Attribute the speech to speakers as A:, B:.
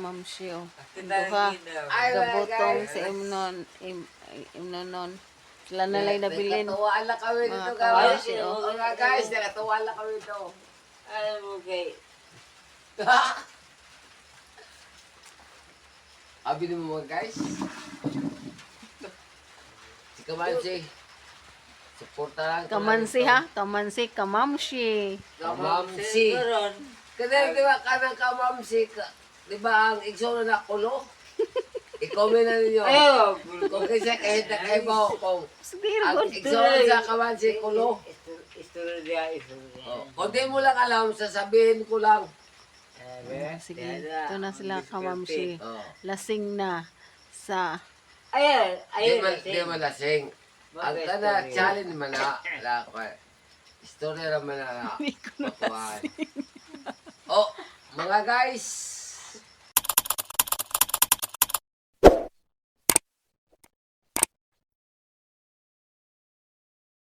A: kamamshi o.
B: Kita
A: Duha.
B: Ay,
A: Gabotong
B: guys.
A: si Imnonon. Sila na lang nabilin.
C: Nakatuwa lang kami
A: Mga
C: dito,
A: kawawa
C: guys.
A: siya, oh.
C: Mga guys, nakatuwa lang kami dito.
B: Ay, okay.
C: Abi mo mga guys. Si Kamansi. Suporta lang.
A: Kamansi ha? Kamansi, kamamshi.
C: Kamamsi. Kasi di ba kanang kamamsi, di ba ang igsoon na kulo? I-comment na ninyo.
B: Ayaw.
C: Kung kasi kahit na kayo mo, kung
A: Sige,
C: ang
A: good.
C: igsoon sa kamansi kulo.
B: Istorya.
C: Kung di mo lang alam, sasabihin ko lang.
A: Sige, ito na sila kamamshi.
C: Oh.
A: Lasing na sa...
B: Ayan.
C: Di man lasing. Ang kana challenge man na, istorya naman na,
A: Hindi ko na
C: matuwaan. Oh, mga guys,